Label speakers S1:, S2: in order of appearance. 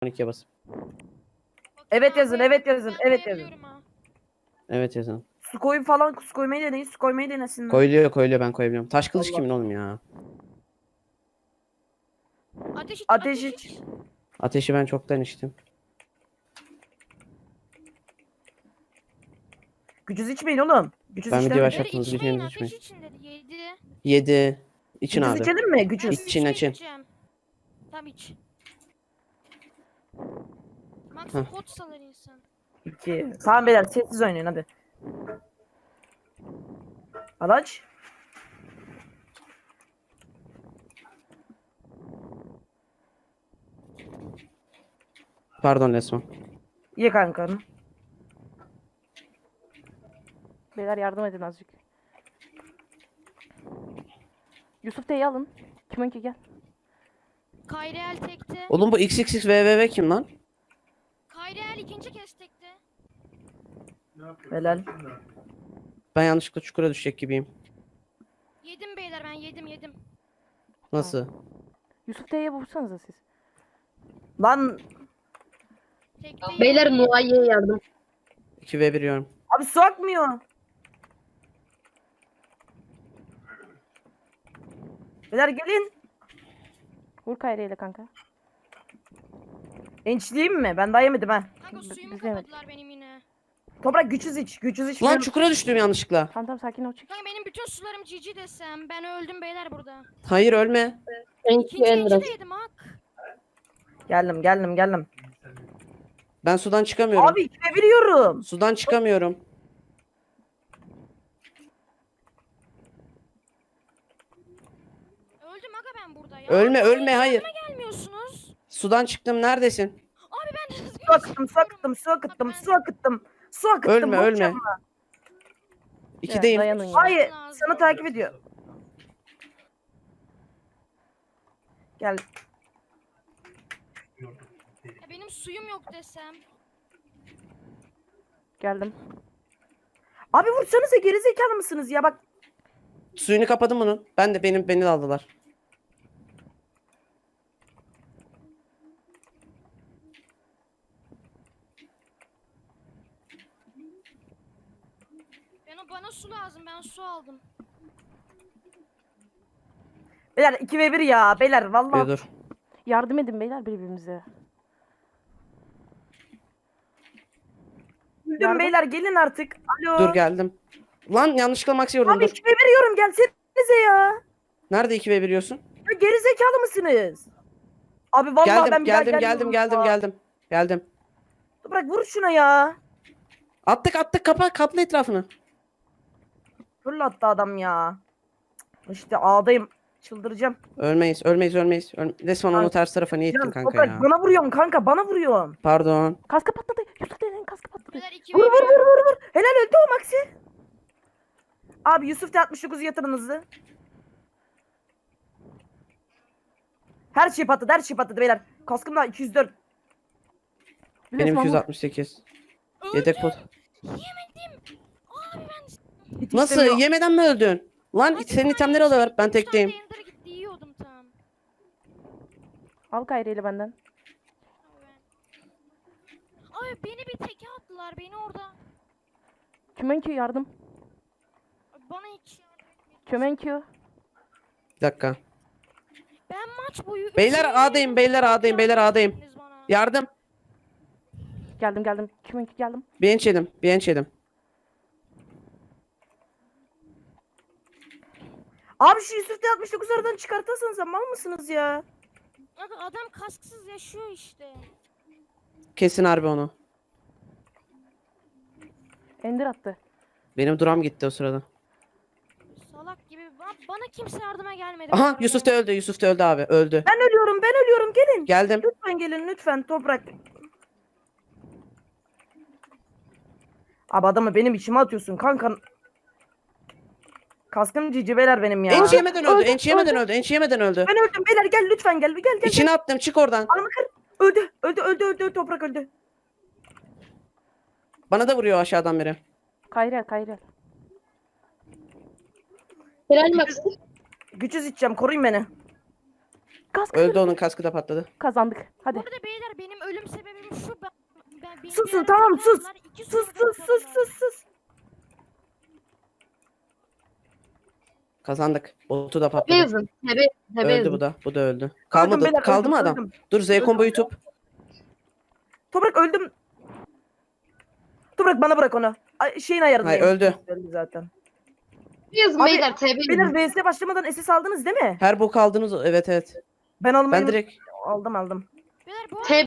S1: 12'ye basıp.
S2: Evet yazın, evet yazın,
S3: Ben
S2: evet yazın.
S3: koyabiliyorum ha.
S1: Evet yazın.
S2: Su koyun falan, su koymayı deneyin, su koymayı denesinler.
S1: Koyuluyor ben koyabiliyorum. Taş kılıç
S2: Allah.
S1: kimin oğlum ya?
S3: Ateş iç,
S2: Ateş
S3: ateş
S2: iç.
S3: iç.
S1: Ateşi ben çoktan içtim.
S2: Gücüz içmeyin oğlum. Gücüz
S1: Ben video
S2: işlemeyin.
S1: başlattım.
S3: Böyle
S1: Hızlı
S3: içmeyin,
S1: geçmenizi
S3: ateş
S1: içmeyin.
S3: için dedi. 7.
S1: 7. İçin
S2: Gücüz
S1: abi.
S2: içelim mi?
S3: Ben
S2: Gücüz.
S1: İçin,
S3: 3'te
S1: için.
S3: içeceğim. Tamam iç. Max
S1: Heh.
S3: pot salar insan.
S2: 2. Tamam beyler sessiz oynayın hadi. Alaç.
S1: Pardon Lesman.
S2: Ye kanka.
S4: Beyler yardım edin azıcık. Yusuf T'yi alın. Kiminki gel.
S3: Kayreel tekte.
S1: Oğlum bu XXXVVV kim lan?
S3: Kayreel ikinci kez tekte.
S2: Helal.
S1: Ben yanlışlıkla çukura düşecek gibiyim.
S3: Yedim beyler, ben yedim.
S1: Nasıl?
S4: Yusuf T'ye vursanıza siz.
S2: Lan
S3: Tekte
S5: Beyler Nuay'e yardım.
S1: 2v1 yiyorum.
S2: abi su akmıyor. Beyler gelin.
S4: Vur Kayra ile kanka.
S2: Ençliyim mi? Ben daha yemedim ha.
S3: Kanka suyumu
S4: Biz yemedik.
S3: kapadılar benim yine.
S2: Toprak güçsüz iç. Güçsüz iç.
S1: Lan çukura düştüm yanlışlıkla.
S4: Tamam sakin ol çık.
S3: Kanka benim bütün sularım cici desem. Ben öldüm beyler burada.
S1: Hayır ölme.
S3: İkinci
S5: Enders.
S3: de yedim hak.
S2: Geldim.
S1: Ben sudan çıkamıyorum.
S2: Abi içine veriyorum.
S1: Sudan çıkamıyorum.
S3: Öldüm aga ben burada ya.
S1: Ölme
S3: Abi,
S1: ölme hayır.
S3: gelmiyorsunuz.
S1: Sudan çıktım neredesin?
S3: Abi ben de
S2: Su akıttım, su akıttım, su akıttım, su akıttım. Su akıttım.
S1: Ölme
S2: boş
S1: ölme.
S2: yapma.
S1: İkideyim.
S4: Dayanın ya.
S2: Hayır,
S3: Lazım.
S2: sana takip ediyor. Gel.
S3: Ya benim suyum yok desem.
S4: Geldim.
S2: Abi vursanıza gerizekalı mısınız ya bak.
S1: Suyunu kapadım bunun. Beni de aldılar.
S3: Bana su lazım. Ben su aldım.
S2: Beyler 2v1 ya beyler
S1: Bir
S2: vallahi.
S1: dur.
S4: Yardım edin beyler birbirimize.
S2: Öldüm
S4: Yardım.
S2: beyler gelin artık. Alo.
S1: Dur geldim. Lan yanlışlıkla Max'i vurdum
S2: Abi
S1: dur.
S2: 2v1 yiyorum gelsenize ya.
S1: Nerede 2v1 yiyorsun?
S2: Ya gerizekalı mısınız? Abi vallahi ben bir daha gelmiyorum ya.
S1: Geldim.
S2: Bırak vur şuna ya.
S1: Attık kapla etrafını.
S2: Fırlattı adam ya. İşte ağdayım. Çıldıracağım.
S1: Ölmeyiz. Resmen onu ters tarafa niye ittin
S2: Can,
S1: kanka
S2: Toprak,
S1: ya?
S2: bana vuruyorsun kanka bana vuruyorsun.
S1: Pardon.
S4: Kaskı patladı. Yusuf T'nin kaskı patladı.
S3: Beyler 2
S2: Vur. Helal öldü o Maxi. Abi Yusuf T69 yatırın hızlı. Her şey patladı beyler. Kaskım da 204.
S1: Benim
S4: Resmen vur.
S1: 268. Yedek pot.
S3: Yemedim. Abi ben
S2: Hiç
S1: Nasıl?
S2: istemiyor.
S1: Yemeden mi öldün? Lan
S3: Hadi
S1: senin
S3: bana
S1: itemleri alıyorlar. Ben
S3: 3 tane
S1: tekteyim.
S3: Ender gitti yiyordum tam.
S4: Al Kayra ile benden.
S3: Abi beni bir teke attılar beni orada.
S4: Kiminki yardım.
S3: Bana hiç yardım etmedi.
S4: Kiminki.
S1: Bir dakika.
S3: Ben maç boyu
S1: Beyler
S3: üçüncü
S1: A'dayım,
S3: yedim.
S1: beyler A'dayım, beyler
S3: Yardım
S1: A'dayım.
S3: ettiniz bana.
S1: Yardım.
S4: Geldim. Kiminki geldim.
S1: Bir enç yedim.
S2: Abi şu Yusuf T69 aradan çıkartırsanız mal mısınız ya?
S3: Abi adam kasksız yaşıyor işte.
S1: Kesin harbi onu.
S4: Ender attı.
S1: Benim duram gitti o sırada.
S3: Salak gibi. Bana kimse yardıma gelmedi.
S1: Aha Yusuf da öldü abi. Öldü.
S2: Ben ölüyorum gelin.
S1: Geldim.
S2: Lütfen gelin lütfen Toprak. Abi adamı benim içime atıyorsun kanka. Kaskım cici beyler benim ya.
S1: Enç yemeden öldü.
S2: Ben öldüm beyler gel lütfen gel.
S1: İçine attım çık oradan.
S2: Alma kır. Öldü Toprak öldü.
S1: Bana da vuruyor aşağıdan biri.
S4: Kayra.
S5: Helal Max.
S2: Güçüz içeceğim koruyun beni.
S4: Kask
S1: Öldü, onun kaskı da patladı.
S4: kazandık. Hadi.
S3: Bu arada beyler benim ölüm sebebim şu. Beni
S2: Susun,
S3: bir ara
S2: tamam, sus.
S3: kapadılar, iki
S2: Sus
S3: sonra
S2: sus sus
S3: kapadılar.
S2: sus sus.
S1: Kazandık. Botu da
S5: Tebe
S1: patladı.
S5: yazın. Tebe
S1: Öldü
S5: yazın.
S1: bu da. Bu da öldü.
S2: Öldüm
S1: Kalmadı.
S2: beyler,
S1: Kaldı
S2: öldüm,
S1: mı adam?
S2: öldüm.
S1: Dur, Z combo'yu tut.
S2: Toprak öldüm. Toprak bana bırak onu. Şeyin ayarındayım.
S1: Hayır, öldü.
S2: Öldü zaten.
S5: Tebe yazın
S2: Abi,
S5: beyler. Tebe yazın.
S2: Beyler VS başlamadan SS aldınız değil mi?
S1: Her bok aldınız. Evet evet.
S2: Ben almayı
S1: Ben direkt
S2: aldım.
S3: Beyler bu arada
S5: Tebe